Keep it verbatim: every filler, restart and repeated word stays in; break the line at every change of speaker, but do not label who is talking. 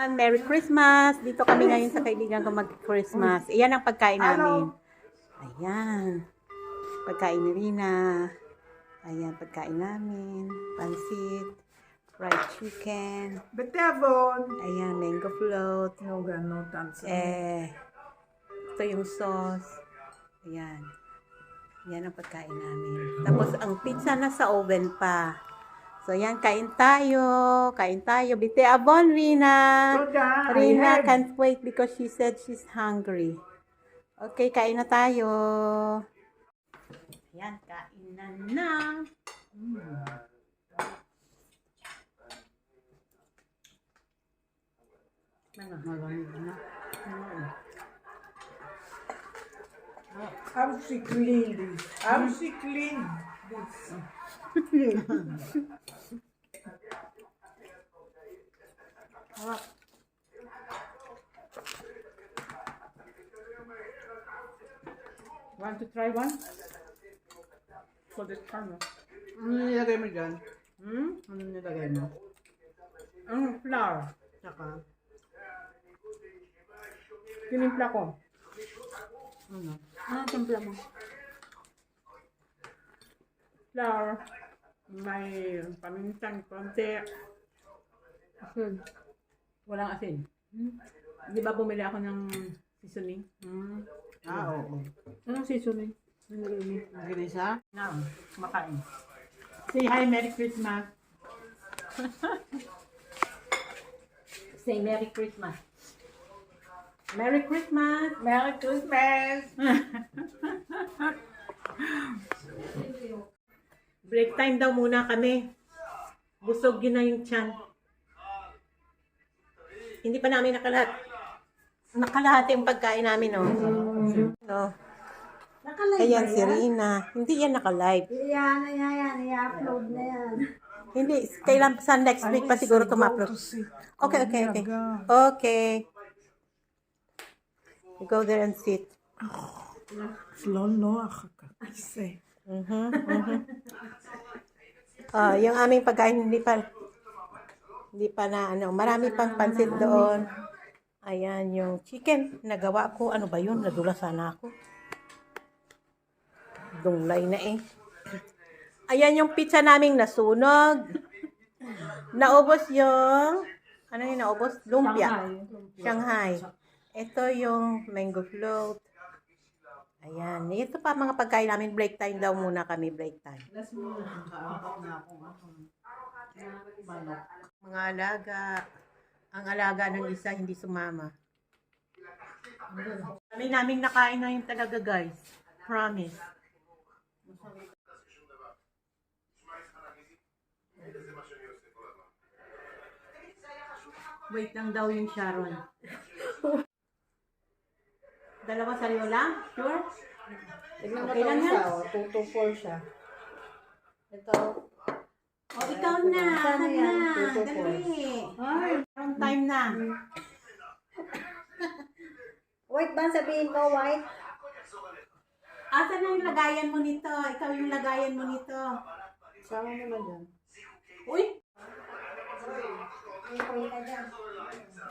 everyone! Merry Christmas! Dito kami ngayon sa kaibigan ko mag-Christmas. Iyan ang pagkain namin. Ayan. Pagkain ni Rina. Ayan, pagkain namin. Pansit. Fried chicken.
Betevon.
Ayan, mango float.
No, no, tansa.
Eh, ito yung sauce. Ayan. Yan ang pagkain namin. Tapos, ang pizza na sa oven pa. So, yan, kain tayo. Kain tayo. Bite abon, Rina.
Soda,
Rina
I
can't wait because she said she's hungry. Okay, kain na tayo. Yan, kain na na. Mm. Malamig na. Mm.
How she clean this? How she clean this?
Want to try one? For this camera.
Ano nilagay mo dyan?
Hmm?
Ano nilagay mo?
Ang flour.
Saka?
Tinimpla ko.
Ano?
Ah, timpla mo. Flour. May paminsan, konti. Asin. Walang asin. Hmm? Di ba bumili ako ng seasoning? Hmm.
Ah, oo.
Anong seasoning? Nilagay
Ginisa?
Na, kumakain. Say hi, Merry Christmas. Say Merry Christmas. Merry Christmas.
Merry Christmas!
Break time daw muna kami. Busog yun na yung tiyan. Hindi pa namin nakalat. Nakalahati yung pagkain namin, no? No.
Nakalive
Ayan
ba
si
yan?
Rina. Hindi yan nakalive.
Yan, yan, yan. I-upload na yan.
Hindi. Kailan sa next week pa siguro tumupload. Okay, okay, okay. Okay. You go there and sit.
לא נוח הכיסא.
Mhm, mhm. Ah, yung aming pagkain hindi pa hindi pa na ano, marami pang pansit doon. Ayan yung chicken nagawa ko. Ano ba yun? Nadula sana ako. Dunglay na eh. Ayan yung pizza naming nasunog. Naubos yung ano yung naubos? Lumpia. Shanghai. Ito yung mango float. Ayan. Ito pa mga pagkain namin. Break time daw muna kami. Break time.
Last mo, nakaapak na ako. Manok.
Mga alaga. Ang alaga ng isa hindi sumama. Kami naming nakain na yung talaga guys. Promise. Wait lang daw yung Sharon. Dalawa sa'yo lang? Sure?
Tignan mo
Okay lang
ito
yan?
isa, oh. two to four siya. Ito.
O, oh, ikaw na.
Saan
Saan
yan?
na?
Two to four.
Dali. Ay, wrong time na.
White ba sabihin ko, white?
Asan na yung lagayan mo nito? Ikaw yung lagayan mo nito.
Sama mo na dyan.
Uy!
May kuya ka dyan.